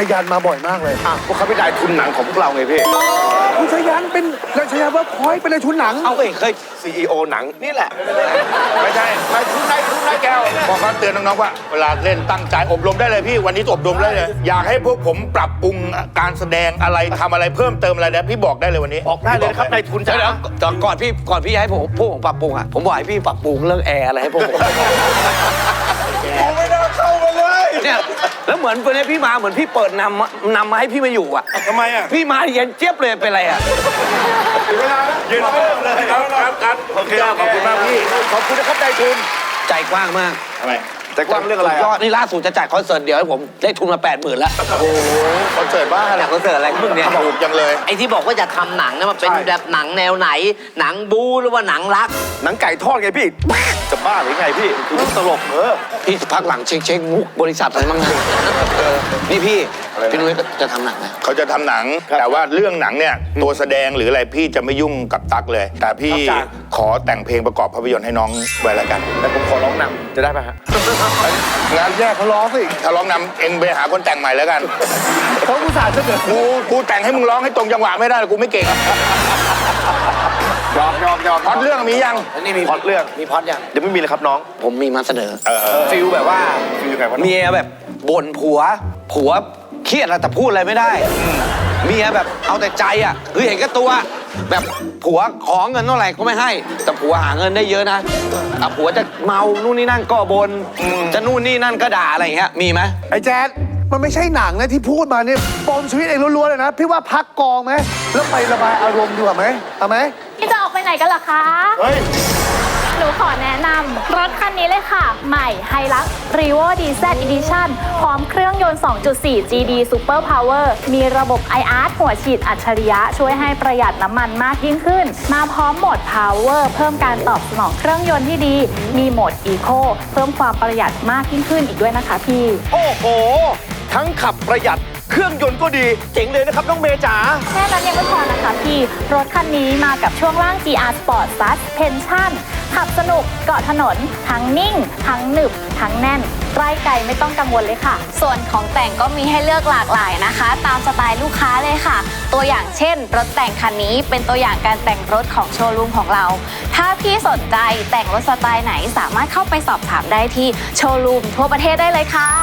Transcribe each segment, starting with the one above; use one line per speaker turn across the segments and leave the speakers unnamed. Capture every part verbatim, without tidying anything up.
ยันมาบ่อยมากเลย
อ่ะพวกเขาเป็นนายทุนหนังของพวกเราไงพี่
คุณชยันเป็นนายชยันเวิร์คพอยต์เป็นนายทุนหนัง
เอาเอ้ยเคยซีอีโอหนังนี่แหละไม่ใช่นายทุนนายทุนนายแก้วบอกเขาเตือนน้องๆว่าเวลาเล่นตั้งใจอบรมได้เลยพี่วันนี้อบรมได้เลยอยากให้พวกผมปรับปรุงการแสดงอะไรทำอะไรเพิ่มเติมอะไรนะพี่บอกได้เลยวันนี้
บอกได้เลยครับนายทุนจ๋าแล้วก่อนพี่ก่อนพี่ให้ผมพวกผมปรับปรุงอ่ะผมบอกให้พี่ปรับปรุงเรื่องแอร์อะไรให้พวกผม
ผมไม่ได้เข้ามาเลย
เนี่ยแล้วเหมือนวันนี้พี่มาเหมือนพี่เปิดนำนำมาให้พี่มาอยู่อ่ะ
ทำไมอ่ะ
พี่มาเย็นเจี๊ยบเลยเป็นไรอ่ะ
เวลาเย็นเจี๊ยบเลยครับครับครับโอเคขอบคุณมากพี่ขอบคุณนะครับนายทุน
ใจกว้างมาก
ทำไมใจกว้างเรื่องอะไร
ยอดนี่ล่าสุดจะจัดคอนเสิร์ตเดี๋ยวให้ผมได้ทุนมาแปดหมื่นแล้ว
โอ้โหคอนเสิร์ตบ้าอะไร
คอนเสิร์ตอะไรมึงเนี่ย
ถูกจังเลย
ไอ้ที่บอกว่าจะทำหนังเนี่ยมันเป็นแบบหนังแนวไหนหนังบู๊หรือว่าหนังรัก
หนังไก่ทอดไงพี่จะบ้าหรือไงพี่คือมุกตลกเออ
พี่พักหลังเช็คเช็คมุกบริษัทอะไรบ้างนะนี่พี่พี่นุ้ยจะทำหนังไหม
เขาจะทำหนังแต่ว่าเรื่องหนังเนี่ยตัวแสดงหรืออะไรพี่จะไม่ยุ่งกับตั๊กเลยแต่พี่ขอแต่งเพลงประกอบภาพยนตร์ให้น้องไว้แล้วกัน
แต่ผมขอร้องนำจะได้ไหมฮะ
งานแยกเขาร้องสิถ้าร้องนำเองไปหาคนแต่งใหม่แล้วกัน
เขาอุตส่าห์จะเกิด
กูกูแต่งให้มึงร้องให้ตรงจังหวะไม่ได้กูไม่เก่งยอมยอมยอมพอดเรื่องมียัง
นี่มี
พอดเรื่อง
มีพอดยัง
เดี๋ยวไม่มีเลยครับน้อง
ผมมีมาเสนอ
ฟิลแบบว่าฟิลยังไงวะ
เมียแบบบ่นผัวผัวเครียดอะไรแต่พูดอะไรไม่ได้เมียแบบเอาแต่ใจอ่ะคือเห็นแก่ตัวแบบผัวขอเงินเท่าไหร่ก็ไม่ให้แต่ผัวหาเงินได้เยอะนะแต่ผัวจะเมานู่นนี่นั่นก็บนจะนู่นนี่นั่นก็ด่าอะไรอย่างเงี้ยมีไหม
ไอ้แจ๊ดมันไม่ใช่หนังนะที่พูดมาเนี่ยปมชีวิตเองล้วนๆเลยนะพี่ว่าพักกองไหมแล้วไประบายอารมณ์ดีกว่าไหมเอาไหม
พี่จะออกไปไหนกันล่ะคะ
เฮ้ย
หนูขอแนะนำรถคันนี้เลยค่ะใหม่ Hilux Revo ดี แซด Edition พร้อมเครื่องยนต์ สองจุดสี่ จี ดี Super Power มีระบบ ไอ อาร์ หัวฉีดอัจฉริยะช่วยให้ประหยัดน้ำมันมากยิ่งขึ้นมาพร้อมโหมด Power เพิ่มการตอบสนองเครื่องยนต์ที่ดีมีโหมด Eco เพิ่มความประหยัดมากยิ่งขึ้นอีกด้วยนะคะพี่
โอ้โหทั้งขับประหยัดเครื่องยนต์ก็ดีเจ๋งเลยนะครับน้องเมย์จ๋า
แค่นั้นยังไม่พอนะคะพี่รถคันนี้มากับช่วงล่าง จี อาร์ Sport Suspension ขับสนุกเกาะถนนทั้งนิ่งทั้งหนึบทั้งแน่นใกล้ไกลไม่ต้องกังวลเลยค่ะ
ส่วนของแต่งก็มีให้เลือกหลากหลายนะคะตามสไตล์ลูกค้าเลยค่ะตัวอย่างเช่นรถแต่งคันนี้เป็นตัวอย่างการแต่งรถของโชว์รูมของเราถ้าพี่สนใจแต่งรถสไตล์ไหนสามารถเข้าไปสอบถามได้ที่โชว์รูมทั่วประเทศได้เลยค่ะ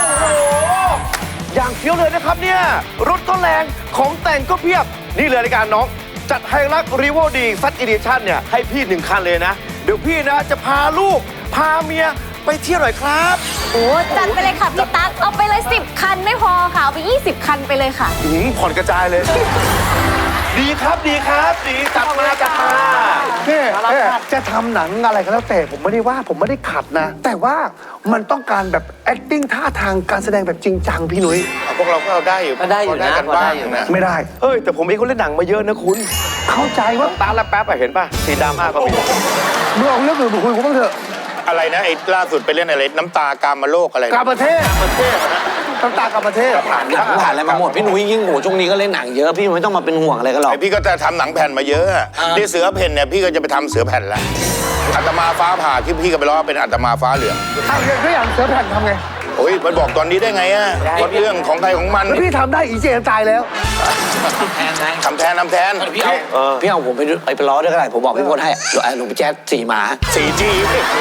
อย่างเฟี้ยวเลยนะครับเนี่ยรถก็แรงของแต่งก็เพียบนี่เลยในการน้องจัดไฮลักซ์รีโวดีซัดอีดิชั่นเนี่ยให้พี่หนึ่งคันเลยนะเดี๋ยวพี่นะจะพาลูกพาเมียไปเที่ยวหน่อยครับ
โอ้จัดไปเลยค่ะพี่ตั๊กเอาไปเลยสิบคันไม่พอค่ะเอาไปยี่สิบคันไปเลยค่ะ
อืมผ่อนกระจายเลยดีครับดีครับดีจัดมาจัดมา
เนี่ยจะทำหนังอะไรก็แล้วแต่ผมไม่ได้ว่าผมไม่ได้ขัดนะแต่ว่ามันต้องการแบบ acting ท่าทางการแสดงแบบจริงจังพี่นุ้ย
พวกเราก็เอาได้อยู่
ก็ได้อยู่นะ
กันบ้างนะ
ไม่ได้
เฮ้ยแต่ผมเองก็เล่นหนังมาเยอะนะคุณ
เข้าใจว่า
ตาละแป๊บอะเห็นป่ะสีดำมากก็มี
เมื่อเอาเรื่องอื่นมาคุยกูบ้างเถอะ
อะไรนะไอ้ล่าสุดไปเล่นอะไรน้ำตากามโลกอะไร
กามประเทศประเทศน้ำตากามประเทศ
ผ่านหนังผ่านอะไรมาหมดพี่นุ้ยยิ่งโหช่วงนี้ก็เล่นหนังเยอะพี่ไม่ต้องมาเป็นห่วงอะไรกันหรอก
พี่ก็จะทำหนังแผ่นมาเยอะที่เสือเพ่นเนี่ยพี่ก็จะไปทำเสือแผ่นแล้วอัตมาฟ้าผ่าที่พี่ก็ไปล้อเป็นอัตมาฟ้าเหลือง
ทำอย่างก็อย่างเสือแผ่นทำไง
โอ้ยมันบอกตอนนี้ได้ไงอะเรื่องของใครของมัน
พี่ทำได้อีเจนตายแล้ว
แทนไง
ทำแทนทำแทน
พี่เอาพี่เอาผมไปไปไปล้อด้วยก็ได้ผมบอกพี่พลให้หลวงพี่แจ๊ดสี่หมา
สี่จี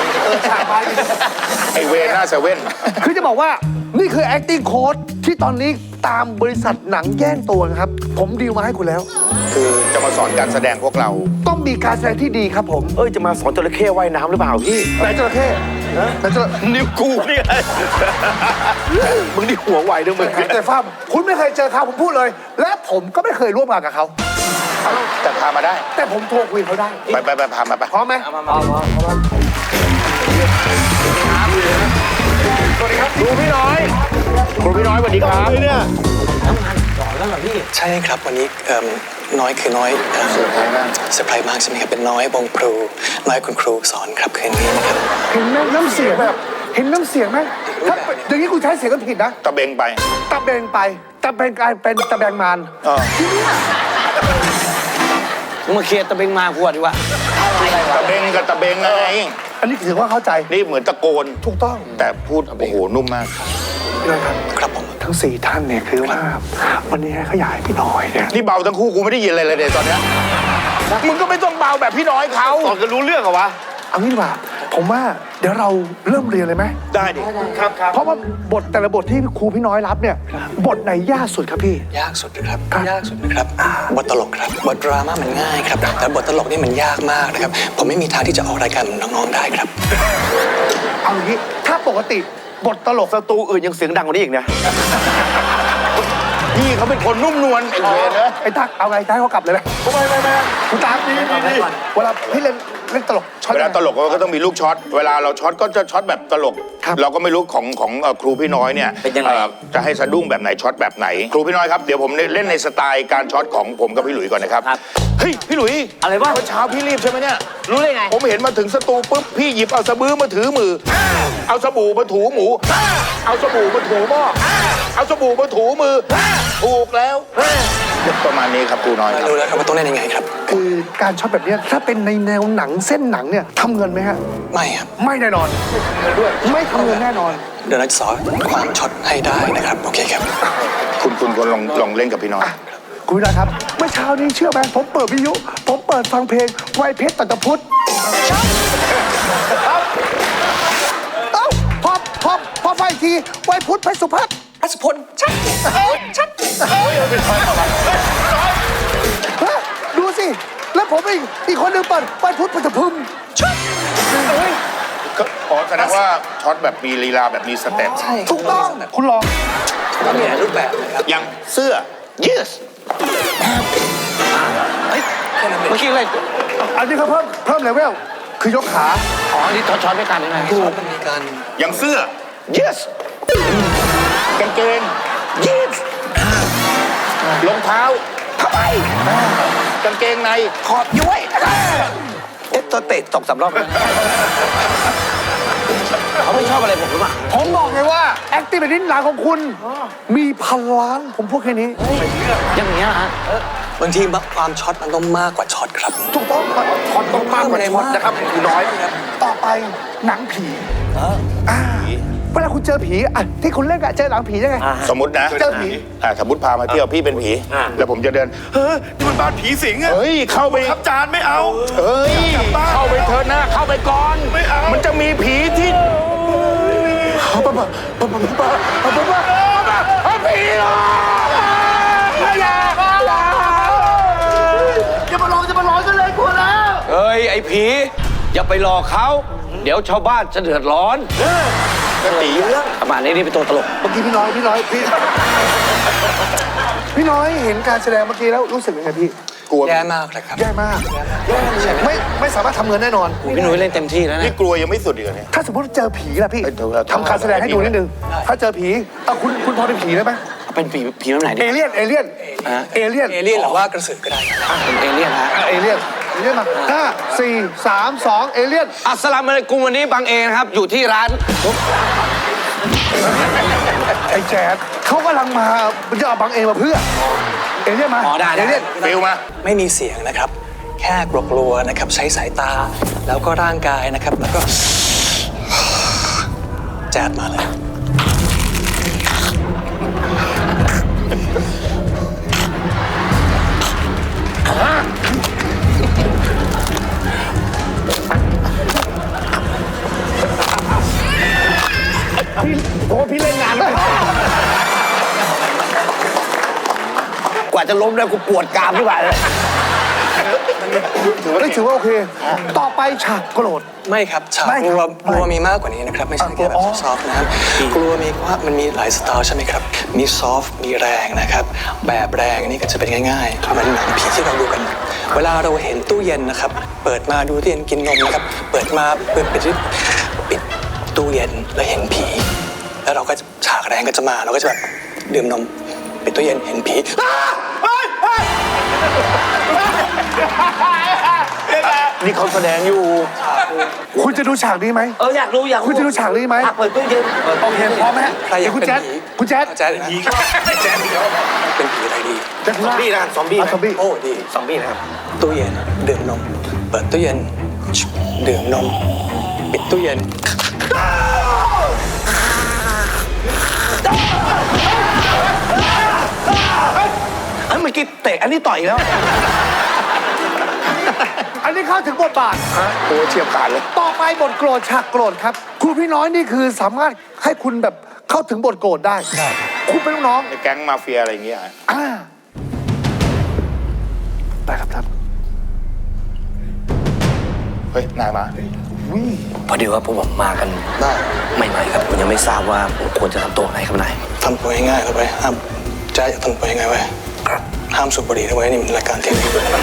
ไอเวน่าเซเว่น
คือจะบอกว่านี่คือ acting coach ที่ตอนนี้ตามบริษัทหนังแย่งตัวนะครับผมดีลมาให้คุณแล้ว
คือจะมาสอนการแสดงพวกเรา
ต้องมีการแสดงที่ดีครับผม
เอ้ยจะมาสอนจระเข้ว่ายน้ำหรือเปล่าพี่
ไหนจระเข้ไหนจระ
นิ้วกูนี่ไงมึงนี่หัวไวด้วยมึง
แต่ฟ้าคุณไม่เคยเจอเขาผมพูดเลยและผมก็ไม่เคยร่วมงานกับเขา
แต่พามาได้
แต่ผมโทรคุยเขาได้
ไปไปไปพามาไป
พร้อมไหมพร้อมพร้อมพร้อม
สวัสดีครับครูพี่น้อยครูพี่น้อยสวัสดีครับเนี่ย
ทำงานสอนแล้วเหรอพี่
ใช่ครับวันนี้น้อยคือน้อยเซอร์ไพรส์มากเซอร์ไพรส์มากใช่ไหมครับเป็นน้อยวงครูน้อยคุณครูสอนครับคืนนี้นะครับ
เห็นไหมน้ำเสียงแบบเห็นน้ำเสียงไหมถ้าอย่างนี้คุณใช้เสียงก็ผิดนะ
ตะเบงไป
ตะเบงไปตะเบงกลายเป็นตะแบงมาร
มึงมาเคลียร์ตะเบงมากูดีกว่า
ตะเบงกับตะเบงไง
อันนี้ถือว่าเข้าใจ
นี่เหมือนตะโกน
ถูกต้อง
แต่พูดโอ้โหนุ่มมาก
ครับผมท
ทั้งสี่ท่านเนี่ยคือว่าวันนี้เขาอยากให้พี่น้อยเนี่ย
นี่เบาทั้งคู่กูไม่ได้ยินอะไรเลยเนี่ยตอนเนี้ยมึงก็ไม่ต้องเบาแบบพี่น้อยเขา
ตอนก็รู้เรื่องเหรอวะ
เอางี้ดีกว่าผมว่าเดี๋ยวเราเริ่มเรียนเลยไหม
ได้ดิครับครับ
เพราะว่าบทแต่ละบทที่ครูพี่น้อยรับเนี่ยบทไหนยากสุดครับพี่
ยากสุดนะครับ
ครับ
ยากสุดนะครับบทตลกครับบทดราม่ามันง่ายครับแต่บทตลกนี่มันยากมากนะครับผมไม่มีทางที่จะออกรายการเหมือนน้องๆได้ครับ
เอางี้ถ้าปกติบทตลก
สตูอื่นยังเสียงดังกว่านี้อีกนะ
พี่เขาเป็นคนนุ่มนวลไอ้เวรนะ
ไอ้ตักเอาไงตักเขากลับเลยไหมไม่ไม่ไม่คุณตักดีดีดีเวลาพี่เล่นเล่นตลกช็อต
เวลาตลกก็ต้องมีลูกช็อตเวลาเราช็อตก็จะช็อตแบบตลก
ครับ
เราก็ไม่รู้ของของเอ่อครูพี่น้อยเนี่ย
เป็นยังไง
เอ่อจะให้สะดุ้งแบบไหนช็อตแบบไหน ครูพี่น้อยครับเดี๋ยวผมเล่นในสไตล์การช็อตของผมกับพี่หลุยก่อนนะครับเฮ้ยพี่หลุย
อะไรวะ
เมื่อเช้าพี่รีบใช่ไหมเนี่ย
รู้ได้ไง
ผมเห็นมาถึงสตูปุ๊บพี่หยิบเอาสบู่มาถือมือ เอาสบู่มาถูหมู เอาสบู่มาถูหม้อ เอาสบู่มาถูมือ ถูกแล้วประมาณนี้ครับครูน้อยครับ
รู้แล้วครับว่าต้องเล่นยังไงครับ
คือการช็อตแบบเนี้ยถ้าเป็นในแนวหนังเส้นหนังเนี่ยทำเงินไหมฮะ
ไม่ครับ
ไม่แน่นอนไม่ทำเงินแน่นอน
เดี๋ยวเราจะสอนความช็อตให้ได้นะครับโอเคครับ
คุณคุณคนลองลองเล่นกับพี่น้อย
คุณวินาครับเมื่อเช้านี้เชื่อไหมผมเปิดวิทยุผมเปิดฟังเพลงไวเพชรตัตพุทธเอ้าพอพอพอไฟอีกทีไวพุทธเพชรสุพัฒน์เพชรสุพลชัดชัดฮะดูสิแล้วผมอีกอีกคนหนึ่งเปิดไวพุทธเพชรพึมชัด
ก็อ๋อแสดงว่าช็อตแบบมีลีลาแบบมีสเต็ป
ใช่
ถูกต้องคุณลอง
ต้องมีหลายรูปแบบนะครับ
อย่างเสื้อ yes
เมื่อกี้อะไร
อันนี้เขาเพิ่มเพิ่มเลเวลคือยกขา
อ๋อ นี่ช็อตด้วยกันยังไง
ช็อตมันมีการ
อย่างเสื้อ yes กางเกง yes รองเท้าทำไมกางเกงในขอบย้วย
เอ๊ะตัวเตะตกสามรอบแล้วเขาไม่ชอบอะไรผมหรือเปล่า
ผมบอกเลยว่า acting แบบนี้หนังของคุณมีพันล้านผมพูดแค่นี้
อย่างเงี้ยฮะ
บางทีความช็อตมันต้องมากกว่าช็อตครับ
ถูกต้องครับช็อตต้องมากกว่าช็อตนะครับคุณน้อย ต่อไปหนังผีอ่าเวลาคุณเจอผีอ่ะที่คุณเล่นกับเจอหนังผียังไง
สมมตินะ
เจอผี
อ่ะสมมติพามาเที่ยวพี่เป็นผี แล้วผมจะเดิน เฮ้ยนี่มันบ้านผีสิงอะเฮ้ย เข้าไปครับจานไม่เอา เฮ้ย เข้าไปเถอะนะ เข้าไปก่อน ไม่เอา มันจะมีผีที่ป้าป้าป้าป้าป้าป้าป้าป้าผีหรออย่าอย่าอย่ามาลองจะมาลองกันเลยกลัวแล้ว
เอ้ย ไอ้ผี อย่าไปหลอกเขา เดี๋ยวชาวบ้านจะเดือดร้อน
ก็ตีเรื่อง
ประมาณนี้นี่เป็นตัวตลก
เมื่อกี้พี่น้อยพี่น้อยพี่พี่น้อยเห็นการแสดงเมื่อกี้แล้วรู้สึกยังไงพี่
กลัว
แย่มากเลยครับ
แย่มากไม่ไม่สามารถทำเงินแน่นอน
พี่หนุ่ยเล่นเต็มที่แล้ว
นี่
นะ
กลัวยังไม่สุดอีกเหรอเนี่ย
ถ้าสมมติเจอผีล่ะพี่
เอ้ยเดี๋ยวเรา
ทำการแสดงให้ดูนิดนึงถ้าเจอผีเอาคุณคุณพอเป็นผีได้ไหม
เป็นผีผีแบบไหนดิ
เอเลี่ยนเอเลี่ยนเอเลี่ยน
เอเลี่ยนหรือว่ากระสือก็ได้ครับ
เป็นเอเลี่ยนฮะ
เอเลี่ยนเอเลี่ยนมาห้าสี่สามสองเอเลี่ยน
อัสสลามุอะลัยกุมวันนี้บางเอนะครับ อยู่ที่ร้าน
ไอ้แจ๊ดเขากำลังมาจะเอาบังเอมาเพื่อเอเลี่ยนมา
อ๋อได้ได้
เอเลี่ยน
ฟิลมา
ไม่มีเสียงนะครับ แค่กลัวๆนะครับ ใช้สายตาแล้วก็ร่างกายนะครับ แล้วก็แจ๊ดมาเลย
พี่โอ้พี่เล่นงานเลย
กว่าจะล้มได้กูปวดกรามที่ไหนเลย
ถือว่าถือว่าโอเค ต่อไปฉากโกรธ
ไม่ครับฉาก
ไม่
ก
ครับ
ลัว
ไม่
กลัวมีมากกว่านี้นะครับ ไม่ใช่แค่แบบ
อ๋อ
ซอฟต์นะครับกลัวมีว่ามันมีหลายสไตล์ใช่ไหมครับ มีซอฟต์มีแรงนะครับ แบบแรงนี่ก็จะเป็นง่ายๆเหมือนหนังผีที่เราดูกัน เวลาเราเห็นตู้เย็นนะครับ เปิดมาดูตู้เย็นกินนมนะครับ เปิดมาเปิดปิดปิดตู้เย็นแล้วเห็นผี แล้วเราก็ฉากแรงก็จะมาเราก็จะแบบดื่มนมปิดตู้เย็นเห็นผี
นี่เขาแสดงอยู่
คุณจะดูฉากนี้ไหม
เอออยากรู้อยากรู้
คุณจะดูฉากนี้ไหม
อ่ะเปิดตู้เย็น
โอเคพร้อมไหมฮะ
ใครอยาก
คุณ
เป็น
แจ๊ด
ผี
คุณแจ๊ด
แจ๊ดผีแจ๊ดเป็นผีอะไรดี
แจ๊ด
ซอมบี้นะซอมบี้
อ่ะ
นะ
ซอมบี้
โอ้ดี
ซอมบี้นะครับ
ตู้เย็นดื่มนม เปิดตู้เย็นดื่มนม ปิดตู้เย็น
กี้เตะอันนี้ต่อยแล้ว
อันนี้เข้าถึงบทบาท
โอ้เฉียบขาดเลย
ต่อไปบทโกรธฉากโกรธครับครูพี่น้อยนี่คือสามารถให้คุณแบบเข้าถึงบทโกรธได้ได้คุณเป็นลูกน้อง
ในแก๊งมาเฟียอะไรอย่างเงี้ย
อ่าได้ครับท่าน
เฮ้ย นายมา
พอดีว่าพวกผมมากัน
ได้
ใหม่ๆครับผมยังไม่ทราบว่าผมควรจะทำตัวไงครับนาย
ทำตัวง่ายๆเลยไปห้ามแจ๊จะทำตัวยังไงไว้ห้ามสูบบุหรี่นะไว้นี่มันรายการทีวี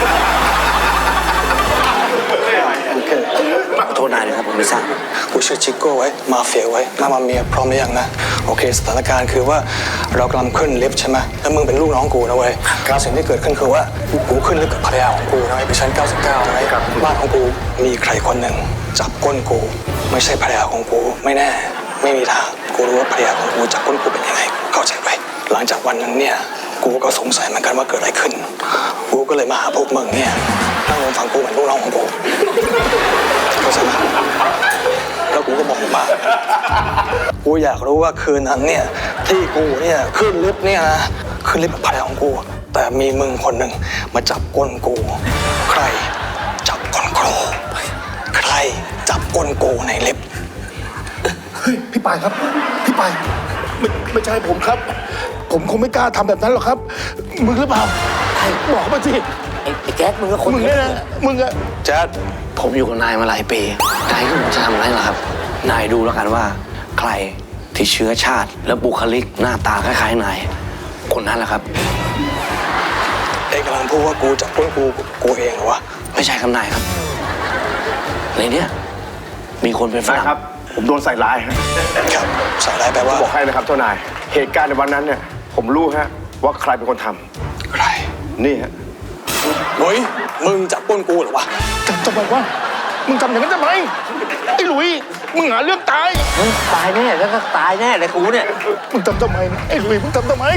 โอเค
ขอโทษนายนะครับผมไม่ทราบ
กูชื่อชิโก้ไว้มาเฟียไว้มามาเมียพร้อมหรือยังนะโอเคสถานการณ์คือว่าเรากำลังขึ้นลิฟต์ใช่ไหมแล้วมึงเป็นลูกน้องกูนะเว้ยสิ่งที่เกิดขึ้นคือว่ากูขึ้นลิฟต์กับภรรยาของกูนะเว้ยไปชั้นเก้าสิบเก้านะเว้ยบ้านของกูมีใครคนหนึ่งจับก้นกูไม่ใช่ภรรยาของกูไม่แน่ไม่มีทางกูรู้ว่าภรรยาของกูจับก้นกูเป็นยังไงเข้าใจไว้หลังจากวันนั้นเนี่ยกูก็สงสัยเหมือนกันว่าเกิดอะไรขึ้นกูก็เลยมาหาพวกมึงเนี่ยนั่งลงฟังกูเหมือนลูกน้องของกูเข้าใจไหมแล้วกูก็บอกว่ากูอยากรู้ว่าคืนนั้นเนี่ยที่กูเนี่ยขึ้นลิฟต์เนี่ยนะขึ้นลิฟต์กับภรรยาของกูแต่มีมึงคนหนึ่งมาจับก้นกูใครจับก้นกูใครจับก้นกูในลิฟต์
เฮ้ยพี่ปายครับพี่ปาย
ไม่ไม่ใช่ผมครับ ผมคงไม่กล้าทำแบบนั้นหรอกครับ มึงหรือเปล่าบอกมาสิ
ไอ้ไอ้แจ๊ดมึงก็คน
มึงเนี่ยนะ มึงอะ
แจ๊ด
ผมอยู่กับนายมาหลายปีนายก็ผมจะทำอะไรล่ะครับ นายดูแล้วกันว่า ใครที่เชื้อชาติและบุคลิกหน้าตาคล้ายๆนายคนนั้นแหละครับ
เอกกำลังพูดว่ากูจับก้นกูกูเองเหรอวะ
ไม่ใช่คำนายครับ ในเนี้ยมีคนเป็นฝรั่ง
ครับ ผมโดนใส่ร้ายฮะ
ครับใส่ร้ายแปลว่า
บอกให้นะครับเจ้านาย เหตุการณ์ในวันนั้นเนี่ย ผมรู้ฮะว่าใครเป็นคนท
ใคร
ำนี่ฮะ
เฮ้ยมึงจับก้นกูเหรอวะ
จำทำไมวะ มึงทำอย่างนั้นทำไม ไอ้หลุย มึงหาเรื่องตาย
ตายแน่แล้วก็ตายแน่เลยกูเนี่ย
มึงทำทำไม ไอ้หลุย มึงทำทำไม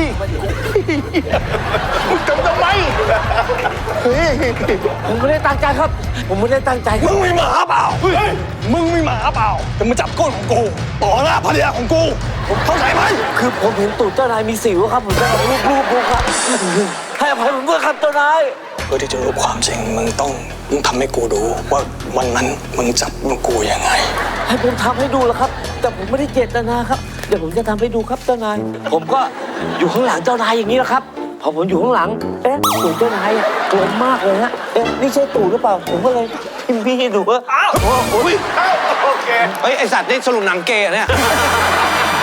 มึงทำทำไม เฮ้ย
ผมไม่ได้ตั้งใจครับ ผมไม่ได้ตั้งใจค
มึ
รับ
งมีหมาเปล่าเฮ้ยมึงมีหมาเปล่าแต่มึงจับก้นของกูต่อหน้าภรรยาของกูผมเข้าใจไหม
คือผมเห็นตูดเจ้านายมีสิวครับผมจะเอารูปรูปผมครับให้อภัยผมด้วยครับเจ้านาย
เพื่อที่จะรู้ความจริงมึงต้องมึงทำให้กูดูว่าวันนั้นมึงจับก้นกูยังไง
ให้ผมทำให้ดูแล้วครับ แต่ผมไม่ได้เจตนาครับเดี๋ยวผมจะทำให้ดูครับเจ้านาย ผมก็อยู่ข้างหลังเจ้านายอย่างนี้แหละครับพอผมอยู่ข้างหลังเอ๊ะตูดเจ้านายกลมมากเลยฮะเอ๊ะนี่ใช่ตูดหรือเปล่าผมก็เลยพิมพ์พี่ดูว่าอ้าว
เฮ้ยไอสัตว์นี่สรุปหนังเกย์เหรอเนี่ย